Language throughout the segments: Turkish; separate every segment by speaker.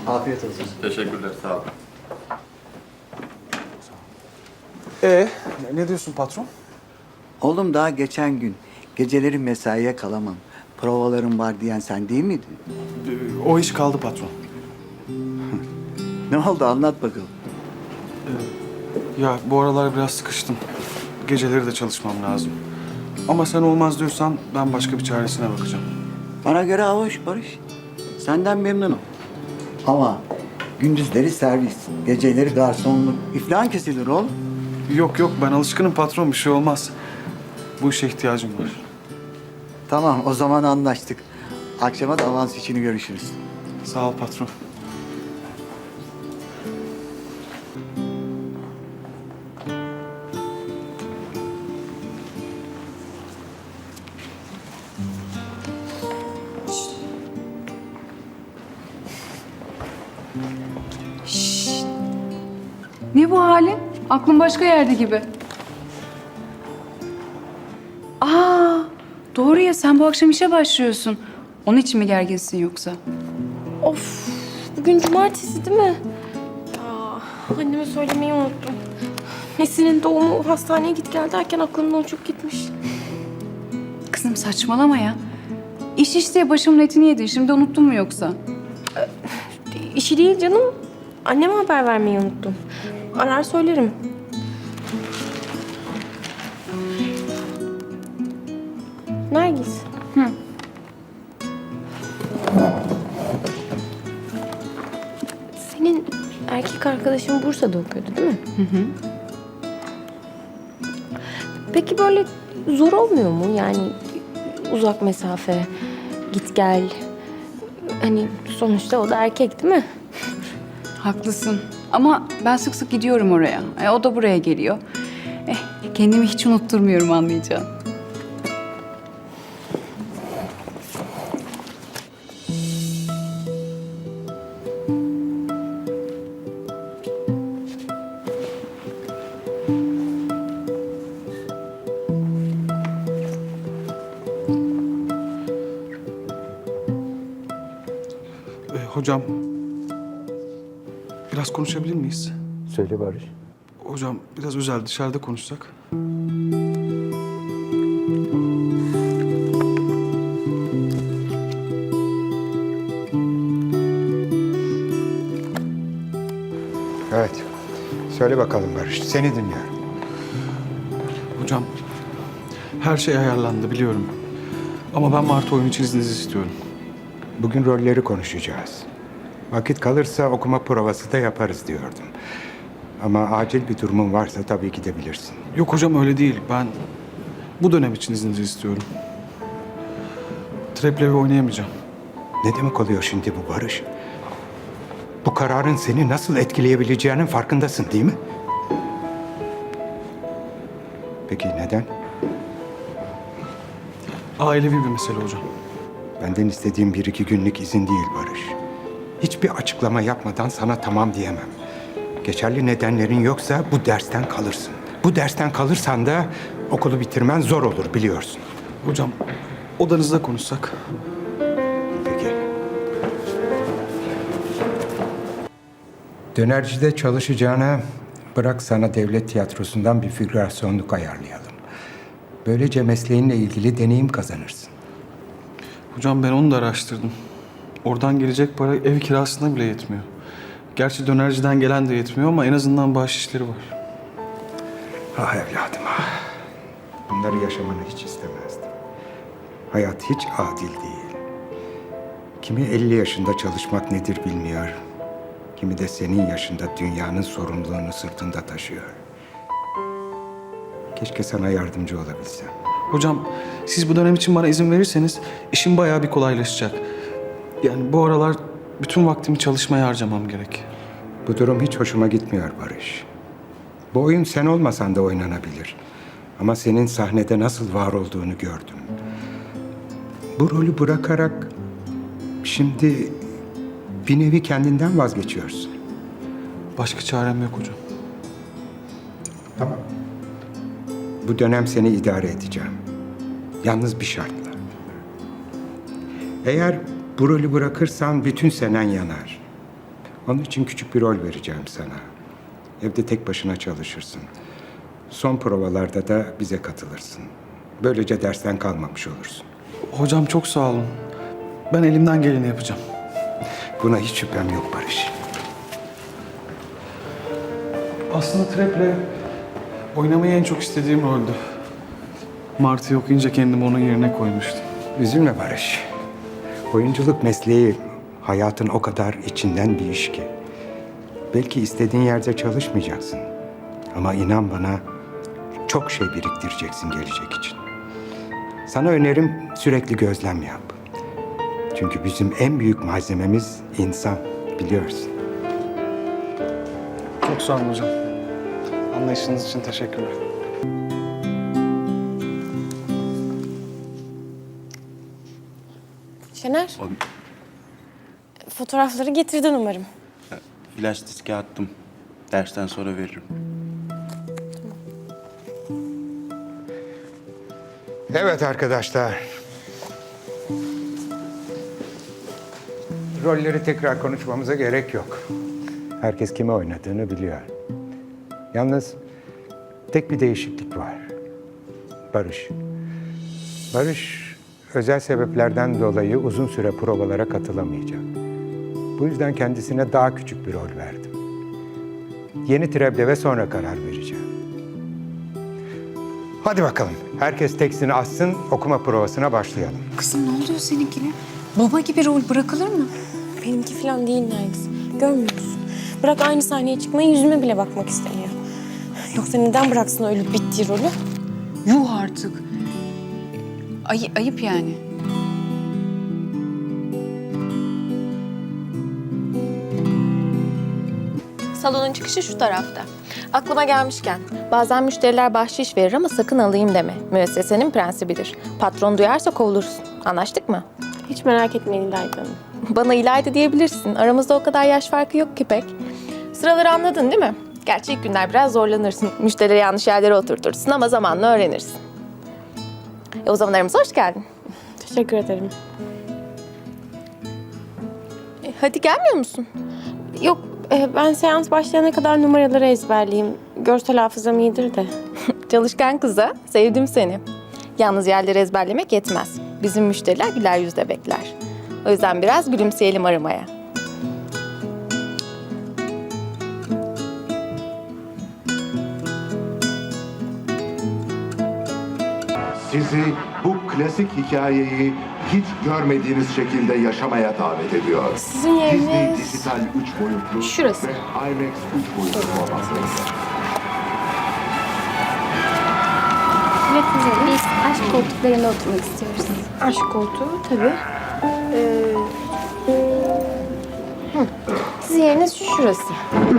Speaker 1: Afiyet olsun.
Speaker 2: Teşekkürler, sağ olun.
Speaker 3: Ne diyorsun patron?
Speaker 1: Oğlum daha geçen gün geceleri mesaiye kalamam. Provalarım var diyen sen değil miydin?
Speaker 3: O iş kaldı patron.
Speaker 1: Ne oldu anlat bakalım.
Speaker 3: Ya bu aralar biraz sıkıştım. Geceleri de çalışmam lazım. Ama sen olmaz diyorsan ben başka bir çaresine bakacağım.
Speaker 1: Bana göre hoş Barış. Senden memnunum. Ama gündüzleri servis, geceleri garsonluk. İflahın kesilir oğlum.
Speaker 3: Yok yok, ben alışkınım patron, bir şey olmaz. Bu işe ihtiyacım var.
Speaker 1: Tamam o zaman anlaştık. Akşama da avans için görüşürüz.
Speaker 3: Sağ ol patron.
Speaker 4: Ne bu halin? Aklın başka yerde gibi. Aa, doğru ya, sen bu akşam işe başlıyorsun. Onun için mi gerginsin yoksa?
Speaker 5: Of, bugün cumartesi değil mi? Anneme söylemeyi unuttum. Nesin'in doğumu, hastaneye git gel derken aklımdan uçup gitmiş.
Speaker 4: Kızım saçmalama ya. İş diye başımın etini yedin. Şimdi unuttun mu yoksa?
Speaker 5: İşi değil canım. Anneme haber vermeyi unuttum. Arar söylerim. Nergis.
Speaker 4: Hı.
Speaker 5: Senin erkek arkadaşın Bursa'da okuyordu değil mi?
Speaker 4: Hı hı.
Speaker 5: Peki böyle zor olmuyor mu? Yani uzak mesafe, git gel. Hani sonuçta o da erkek değil mi?
Speaker 4: Haklısın. Ama ben sık sık gidiyorum oraya. O da buraya geliyor. Kendimi hiç unutturmuyorum, anlayacağın.
Speaker 3: Hocam, biraz konuşabilir miyiz?
Speaker 6: Söyle Barış.
Speaker 3: Hocam biraz özel, dışarıda konuşsak.
Speaker 6: Evet. Söyle bakalım Barış. Seni dinliyorum.
Speaker 3: Hocam, her şey ayarlandı biliyorum. Ama ben Martı oyun için izninizi istiyorum.
Speaker 6: Bugün rolleri konuşacağız. Vakit kalırsa okuma provası da yaparız diyordum. Ama acil bir durumun varsa tabii gidebilirsin.
Speaker 3: Yok hocam, öyle değil. Ben bu dönem için izninizi istiyorum. Treplevi oynayamayacağım.
Speaker 6: Ne demek oluyor şimdi bu Barış? Bu kararın seni nasıl etkileyebileceğinin farkındasın değil mi? Peki neden?
Speaker 3: Ailevi bir mesele hocam.
Speaker 6: Benden istediğim 1-2 günlük izin değil Barış. Hiçbir açıklama yapmadan sana tamam diyemem. Geçerli nedenlerin yoksa bu dersten kalırsın. Bu dersten kalırsan da okulu bitirmen zor olur biliyorsun.
Speaker 3: Hocam, odanızda konuşsak.
Speaker 6: Peki. Dönercide çalışacağına bırak sana devlet tiyatrosundan bir figürasyonluk ayarlayalım. Böylece mesleğinle ilgili deneyim kazanırsın.
Speaker 3: Hocam ben onu da araştırdım. Oradan gelecek para ev kirasına bile yetmiyor. Gerçi dönerciden gelen de yetmiyor ama en azından bahşişleri var.
Speaker 6: Ah evladım ah. Bunları yaşamanı hiç istemezdim. Hayat hiç adil değil. Kimi 50 yaşında çalışmak nedir bilmiyor. Kimi de senin yaşında dünyanın sorumluluğunu sırtında taşıyor. Keşke sana yardımcı olabilsem.
Speaker 3: Hocam, siz bu dönem için bana izin verirseniz işim bayağı bir kolaylaşacak. Yani bu aralar bütün vaktimi çalışmaya harcamam gerek.
Speaker 6: Bu durum hiç hoşuma gitmiyor Barış. Bu oyun sen olmasan da oynanabilir. Ama senin sahnede nasıl var olduğunu gördüm. Bu rolü bırakarak şimdi bir nevi kendinden vazgeçiyorsun.
Speaker 3: Başka çarem yok hocam.
Speaker 6: Tamam. Bu dönem seni idare edeceğim. Yalnız bir şartla. Eğer bu rolü bırakırsan bütün senen yanar. Onun için küçük bir rol vereceğim sana. Evde tek başına çalışırsın. Son provalarda da bize katılırsın. Böylece dersten kalmamış olursun.
Speaker 3: Hocam çok sağ olun. Ben elimden geleni yapacağım.
Speaker 6: Buna hiç şüphem yok Barış.
Speaker 3: Aslında Trap'le oynamayı en çok istediğim roldü. Martı'yı okuyunca kendimi onun yerine koymuştum.
Speaker 6: Üzülme Barış. Oyunculuk mesleği hayatın o kadar içinden bir iş ki. Belki istediğin yerde çalışmayacaksın. Ama inan bana çok şey biriktireceksin gelecek için. Sana önerim sürekli gözlem yap. Çünkü bizim en büyük malzememiz insan, biliyorsun.
Speaker 3: Çok sağ olun hocam. Anlayışınız için teşekkürler.
Speaker 5: Şener. Fotoğrafları getirdin umarım.
Speaker 2: Flash diske attım. Dersten sonra veririm.
Speaker 6: Evet arkadaşlar. Rolleri tekrar konuşmamıza gerek yok. Herkes kime oynadığını biliyor. Yalnız tek bir değişiklik var. Barış. Barış özel sebeplerden dolayı uzun süre provalara katılamayacak. Bu yüzden kendisine daha küçük bir rol verdim. Yeni Treblev'e sonra karar vereceğim. Hadi bakalım. Herkes tekstini açsın, okuma provasına başlayalım.
Speaker 4: Kızım ne oluyor seninkine? Baba gibi rol bırakılır mı?
Speaker 5: Benimki falan değil Nergis. Görmüyor musun? Bırak aynı sahneye çıkmayı, yüzüme bile bakmak istemiyor. Yoksa neden bıraksın öyle bittiği rolü?
Speaker 4: Yuh artık. Ayıp yani.
Speaker 5: Salonun çıkışı şu tarafta. Aklıma gelmişken, bazen müşteriler bahşiş verir ama sakın alayım deme. Müessesenin prensibidir. Patron duyarsa kovulursun. Anlaştık mı? Hiç merak etmeyin İlayda Hanım. Bana İlayda diyebilirsin. Aramızda o kadar yaş farkı yok ki pek. Sıraları anladın değil mi? Gerçi ilk günler biraz zorlanırsın. Müşterileri yanlış yerlere oturtursun ama zamanla öğrenirsin. O zaman aramıza hoş geldin.
Speaker 7: Teşekkür ederim.
Speaker 5: Hadi gelmiyor musun?
Speaker 7: Yok, ben seans başlayana kadar numaraları ezberleyeyim. Görsel hafızam iyidir de.
Speaker 5: Çalışkan kıza, sevdim seni. Yalnız yerleri ezberlemek yetmez. Bizim müşteriler güler yüzle bekler. O yüzden biraz gülümseyelim aramaya.
Speaker 8: Sizi bu klasik hikayeyi hiç görmediğiniz şekilde yaşamaya davet ediyor.
Speaker 7: Sizin
Speaker 8: Disney
Speaker 7: yeriniz...
Speaker 8: dijital 3 boyutlu
Speaker 7: Şurası.
Speaker 8: ve IMAX 3 boyutlu formatlarında.
Speaker 9: Biz aşk koltuklarında oturmak istiyoruz.
Speaker 7: Aşk koltuğu tabii. Sizin yeriniz şurası.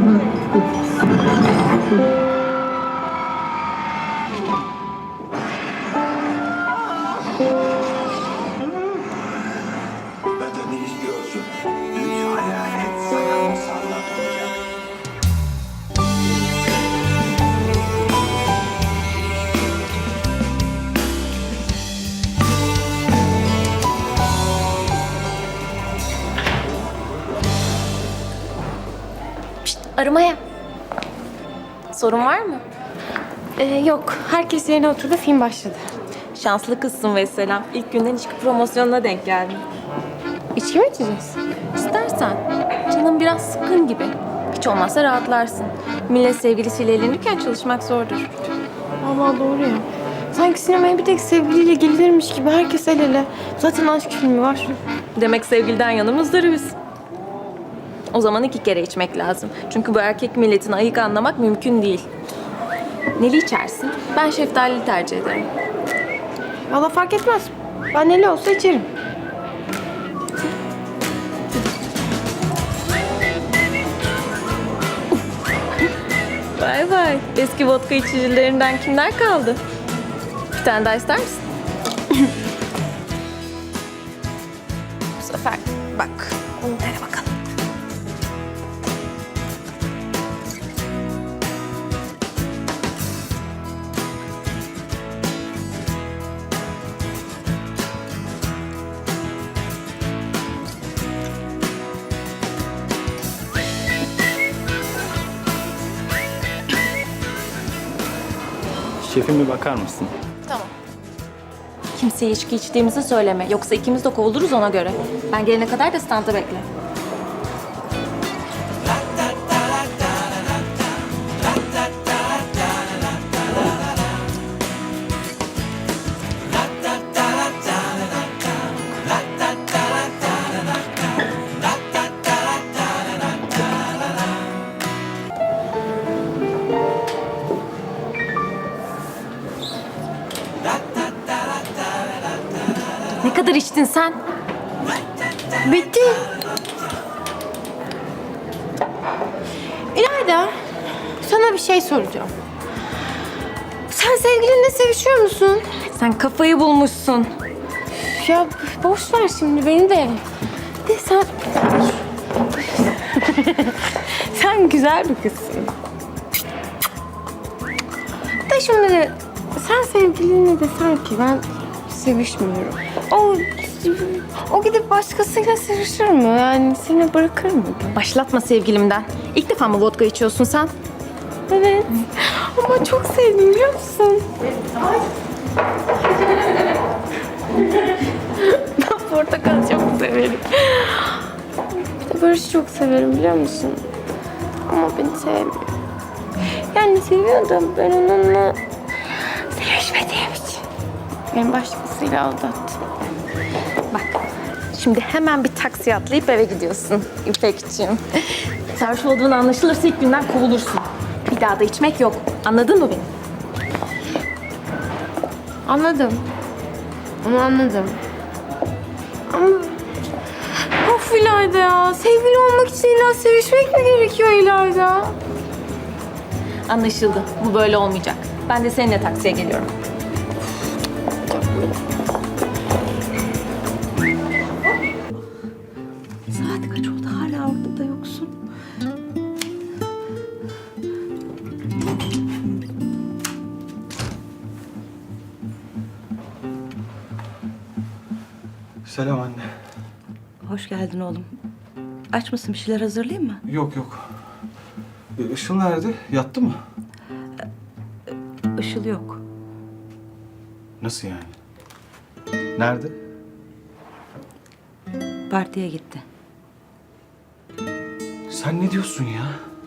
Speaker 8: Benden ne istiyorsun? Üç hayalet sana musallat olacak.
Speaker 5: Aramaya. Sorun var mı?
Speaker 7: Yok, herkes yerine oturdu, film başladı.
Speaker 5: Şanslı kızsın Vesselam. İlk günden içki promosyonuna denk geldin.
Speaker 7: İçki mi içeceğiz?
Speaker 5: İstersen. Canım biraz sıkkın gibi. Hiç olmazsa rahatlarsın. Millet sevgilisiyle evlenirken çalışmak zordur.
Speaker 7: Vallahi doğru ya. Sanki sinemaya bir tek sevgiliyle gelirmiş gibi herkes el ele. Zaten aşk filmi var.
Speaker 5: Demek sevgiliden yana muzdaribiz. O zaman 2 kere içmek lazım. Çünkü bu erkek milletini ayık anlamak mümkün değil. Neli içersin? Ben şeftalili tercih ederim.
Speaker 7: Vallahi fark etmez. Ben neli olsa içerim.
Speaker 5: Vay vay. Eski vodka içicilerinden kimler kaldı? Bir tane daha ister misin? Bu sefer bak. Onu dene bakalım.
Speaker 10: Şefim bir bakar mısın?
Speaker 5: Tamam. Kimseye içki içtiğimizi söyleme. Yoksa ikimiz de kovuluruz ona göre. Ben gelene kadar da standa bekle. Ne kadar içtin sen?
Speaker 7: Bitti. İlayda, sana bir şey soracağım. Sen sevgilinle sevişiyor musun?
Speaker 5: Sen kafayı bulmuşsun.
Speaker 7: Ya boş ver şimdi beni de. De sen... sen güzel bir kızsın. Da şimdi de sen sevgilinle desen ki ben sevişmiyorum. O gidip başkasıyla sevişir mi? Yani seni bırakır mı?
Speaker 5: Başlatma sevgilimden. İlk defa mı vodka içiyorsun sen?
Speaker 7: Evet. Ama çok sevdim biliyor musun? Ben portakal çok severim. Bir de Barış'ı çok severim biliyor musun? Ama beni sevmiyor. Yani seviyordum ben onunla sevişmediğim için. Beni başkasıyla aldattı.
Speaker 5: Bak, şimdi hemen bir taksiye atlayıp eve gidiyorsun İpekciğim. Sarhoş olduğun anlaşılırsa ilk günden kovulursun. Bir daha da içmek yok. Anladın mı beni?
Speaker 7: Anladım. Onu anladım. Ama... Of İlayda ya. Sevgili olmak için illa sevişmek mi gerekiyor İlayda?
Speaker 5: Anlaşıldı. Bu böyle olmayacak. Ben de seninle taksiye geliyorum.
Speaker 11: Saat kaç oldu hala orada da yoksun?
Speaker 3: Selam anne.
Speaker 11: Hoş geldin oğlum. Aç mısın, bir şeyler hazırlayayım mı?
Speaker 3: Yok yok. Işıl nerede? Yattı mı?
Speaker 11: Işıl yok.
Speaker 3: Nasıl yani? Nerede?
Speaker 11: Partiye gitti.
Speaker 3: Sen ne diyorsun ya?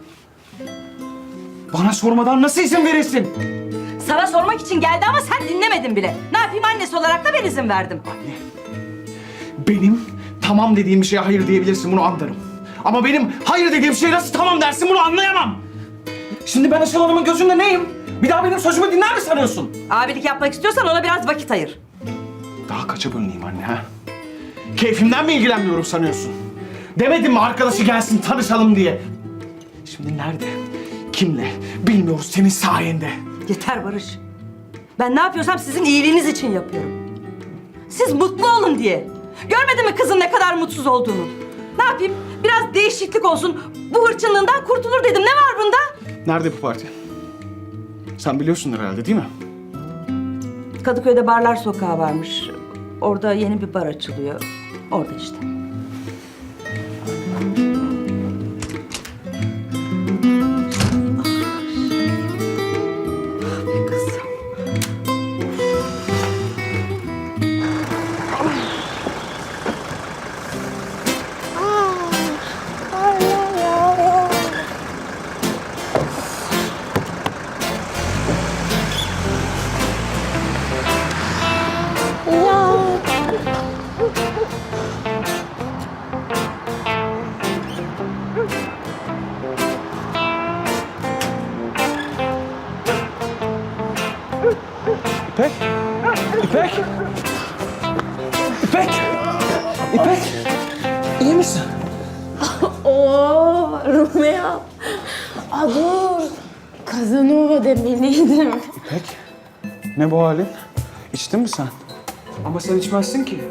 Speaker 3: Bana sormadan nasıl izin verirsin?
Speaker 11: Sana sormak için geldi ama sen dinlemedin bile. Ne yapayım, annesi olarak da ben izin verdim.
Speaker 3: Anne, benim tamam dediğim bir şeye hayır diyebilirsin, bunu anlarım. Ama benim hayır dediğim şeye nasıl tamam dersin, bunu anlayamam. Şimdi ben Işıl Hanım'ın gözünde neyim? Bir daha benim sözümü dinler mi sanıyorsun?
Speaker 11: Abilik yapmak istiyorsan ona biraz vakit ayır.
Speaker 3: Daha kaça bölüneyim anne ha? Keyfimden mi ilgilenmiyorum sanıyorsun? Demedim mi arkadaşı gelsin tanışalım diye? Şimdi nerede? Kimle? Bilmiyoruz senin sayende.
Speaker 11: Yeter Barış. Ben ne yapıyorsam sizin iyiliğiniz için yapıyorum. Siz mutlu olun diye. Görmedin mi kızın ne kadar mutsuz olduğunu? Ne yapayım? Biraz değişiklik olsun. Bu hırçınlığından kurtulur dedim. Ne var bunda?
Speaker 3: Nerede bu parti? Sen biliyorsundur herhalde değil mi?
Speaker 11: Kadıköy'de Barlar Sokağı varmış. Orada yeni bir bar açılıyor. Orada işte.
Speaker 3: İpek! İpek! İpek! İpek! İyi misin?
Speaker 7: Oo Romeo. Dur. Casanova demeliydim.
Speaker 3: İpek! Ne bu halin? İçtin mi sen? Ama sen içmezsin ki.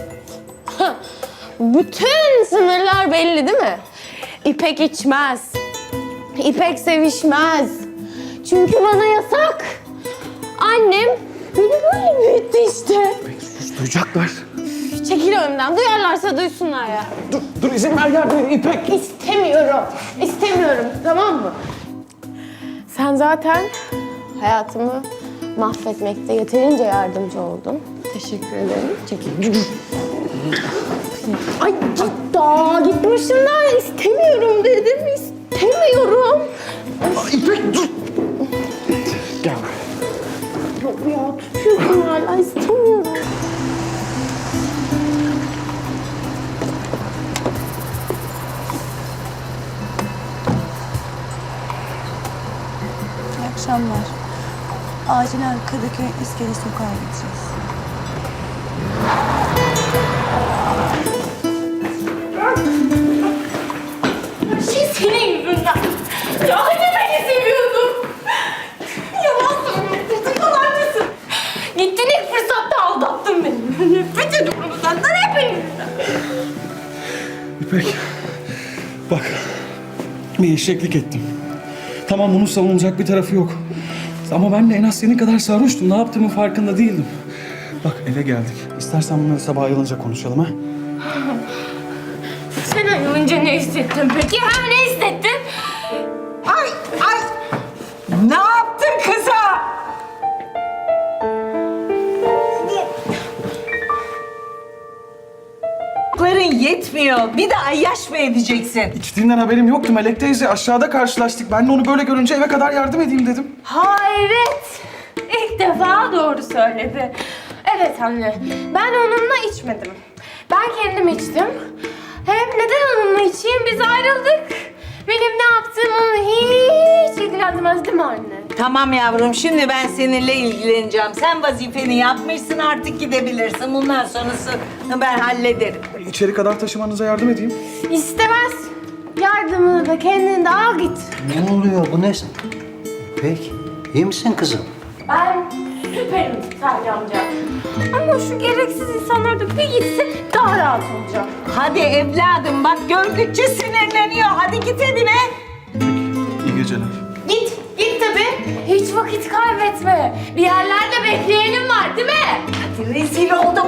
Speaker 7: Bütün sınırlar belli değil mi? İpek içmez. İpek sevişmez. Çünkü bana yasak. Annem beni böyle büyüttü işte.
Speaker 3: İpek sus, duyacaklar.
Speaker 7: Çekil önümden. Duyarlarsa duysunlar ya.
Speaker 3: Dur izin ver yardım edeyim İpek.
Speaker 7: İstemiyorum. İstemiyorum. Tamam mı? Sen zaten hayatımı Mahvetmekte yeterince yardımcı oldun. Teşekkür ederim. Çekil. Ay git başımdan. İstemiyorum dedim. İstemiyorum.
Speaker 3: İpek dur. Gel.
Speaker 7: Yok ya tutuyorsun hala. İstemiyorum.
Speaker 10: İyi akşamlar. Acilen Kadıköy İskele Sokağa gideceğiz.
Speaker 7: Senin yüzünden. Ya hani beni seviyordun? Yalan söylüyorsun. Yalancısın. Gittin ilk fırsatta aldattın beni. Nefret ediyorum senden hepinizden.
Speaker 3: İpek, bak bir eşeklik ettim. Tamam bunun savunulacak bir tarafı yok. Ama ben de en az senin kadar sarhoştum. Ne yaptığımın farkında değildim. Bak eve geldik. İstersen bunları sabah ayılınca konuşalım ha.
Speaker 7: Sen ayrılınca ne hissettin peki? Ha ne hissettin?
Speaker 11: Ay! Ne yaptın kıza? Yetmiyor. Bir de ayyaş mı edeceksin?
Speaker 3: İçtiğinden haberim yoktu Melek teyze. Aşağıda karşılaştık. Ben de onu böyle görünce eve kadar yardım edeyim dedim.
Speaker 7: Hayret! İlk defa doğru söyledi. Evet anne, ben onunla içmedim. Ben kendim içtim. Hem neden onunla içeyim? Biz ayrıldık. Benim ne yaptığım onu hiç ilgilendirmez değil mi anne?
Speaker 11: Tamam yavrum, şimdi ben seninle ilgileneceğim. Sen vazifeni yapmışsın, artık gidebilirsin. Bundan sonrasını ben hallederim.
Speaker 3: İçeri kadar taşımanıza yardım edeyim.
Speaker 7: İstemez. Yardımını da kendin de al git.
Speaker 12: Ne oluyor bu ne? İpek, iyi misin kızım?
Speaker 7: Ben süperim Salih amca. Ama şu gereksiz insanlar da bir gitsin daha rahat olacağım.
Speaker 11: Hadi evladım, bak gördükçe sinirleniyor. Hadi git evine.
Speaker 3: İyi geceler.
Speaker 7: Git tabii. Hiç vakit kaybetme. Bir yerlerde bekleyenim var değil mi?
Speaker 11: Hadi rezil oldum.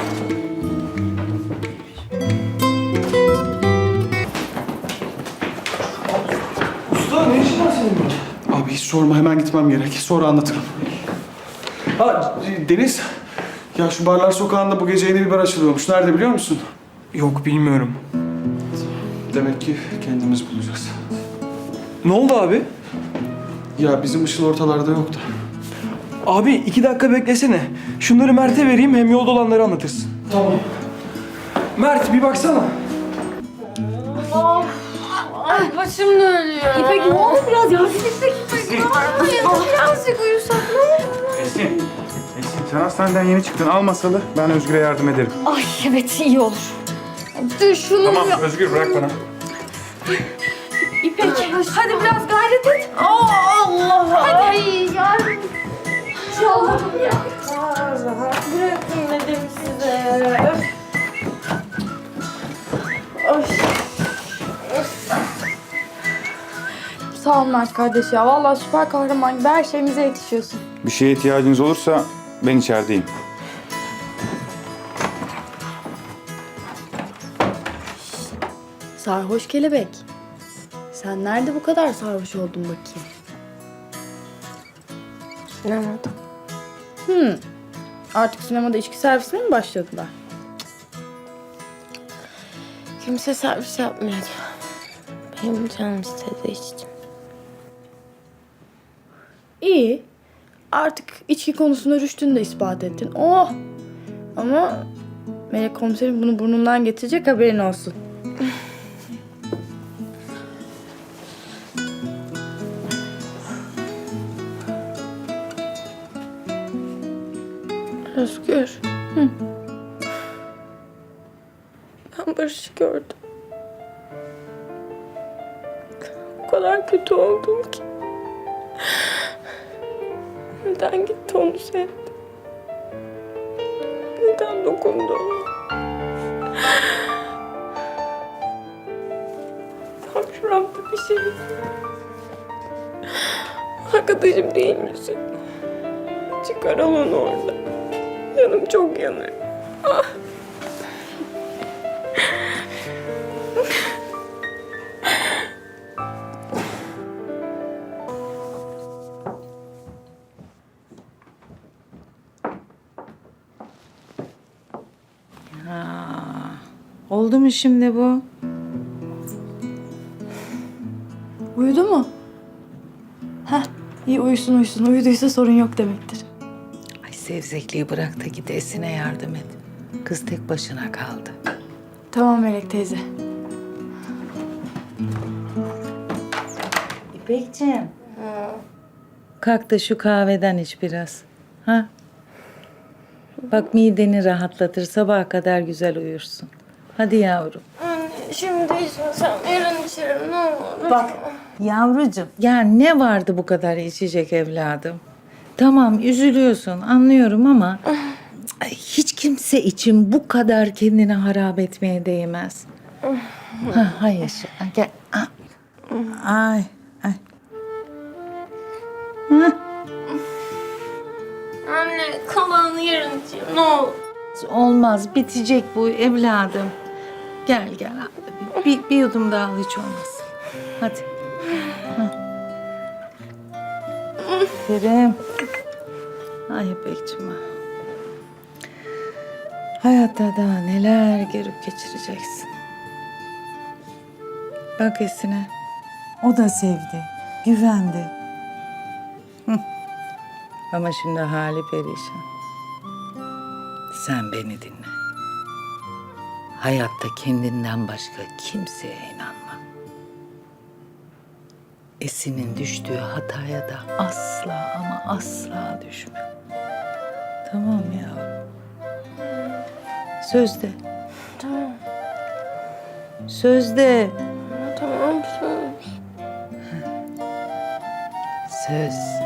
Speaker 3: Usta ne işin var senin burada? Abi hiç sorma, hemen gitmem gerek. Sonra anlatırım. Ha Deniz. Ya şu Barlar Sokağı'nda bu gece yeni bir bar açılıyormuş. Nerede biliyor musun?
Speaker 13: Yok bilmiyorum.
Speaker 3: Demek ki kendimiz bulacağız.
Speaker 13: Ne oldu abi?
Speaker 3: Ya bizim Işıl ortalarda yok da.
Speaker 13: Abi 2 dakika beklesene. Şunları Mert'e vereyim hem yolda olanları anlatırsın.
Speaker 3: Tamam.
Speaker 13: Mert bir baksana.
Speaker 7: Ay başım dönüyor. İpek ne oldu biraz ya? İpek birazcık uyusak ne olur?
Speaker 14: Esin, sen hastaneden yeni çıktın. Al masalı. Ben Özgür'e yardım ederim.
Speaker 7: Ay evet iyi olur. Dur şunu
Speaker 14: Tamam Özgür bırak bana.
Speaker 7: İpek hadi biraz gayret et. Allah! Hadi yardım. Allah'ım ya. Bırakın dedim size.
Speaker 10: Sağ ol Mert kardeş ya. Vallahi süper kahraman gibi her şeyimize yetişiyorsun.
Speaker 14: Bir şeye ihtiyacınız olursa ben içerideyim.
Speaker 10: Sarhoş kelebek. Sen nerede bu kadar sarhoş oldun bakayım?
Speaker 7: Sinemada.
Speaker 10: Artık sinemada içki servisine mi başladılar?
Speaker 7: Kimse servis yapmıyordu. Benim canım istedi içtim.
Speaker 10: İyi. Artık içki konusunda rüştünü de ispat ettin. Oh! Ama Melek komiserim bunu burnundan getirecek, haberin olsun.
Speaker 7: Özgür. Ben Barış'ı gördüm. O kadar kötü oldum ki. Neden gitti onu sevdi? Neden dokundu ona? Tam şuramda bir şey. Arkadaşım değil misin? Çıkar onu orada. Yanım çok yanıyor. Ah.
Speaker 11: Oldu mu şimdi bu?
Speaker 10: Uyudu mu? Heh, iyi uyusun uyusun. Uyuduysa sorun yok demektir.
Speaker 15: Ay sevzekliği bırak da git Esin'e yardım et. Kız tek başına kaldı.
Speaker 10: Tamam Melek teyze.
Speaker 15: İpekciğim. Kalk da şu kahveden iç biraz. Ha? Bak mideni rahatlatır. Sabaha kadar güzel uyursun. Hadi yavrum.
Speaker 7: Anne şimdi içmesem yarın içerim ne olur.
Speaker 15: Bak yavrucuğum. Ya ne vardı bu kadar içecek evladım? Tamam üzülüyorsun anlıyorum ama ay, hiç kimse için bu kadar kendini harap etmeye değmez. Ha, hayır. Gel. Ay. Ay. Hı?
Speaker 7: Anne kalanını yarın içeyim ne olur.
Speaker 15: Olmaz. Bitecek bu evladım. Gel. Bir yudum daha al hiç olmaz. Hadi. Kerim. Ay İpekciğim. Hayatta daha neler görüp geçireceksin. Bak Esin'e. O da sevdi. Güvendi. Ama şimdi hali perişan. Sen beni dinle. Hayatta kendinden başka kimseye inanma. Esin'in düştüğü hataya da asla ama asla düşme. Tamam yavrum. Söz de.
Speaker 7: Tamam.
Speaker 15: Söz de.
Speaker 7: Tamam söz.
Speaker 15: Söz.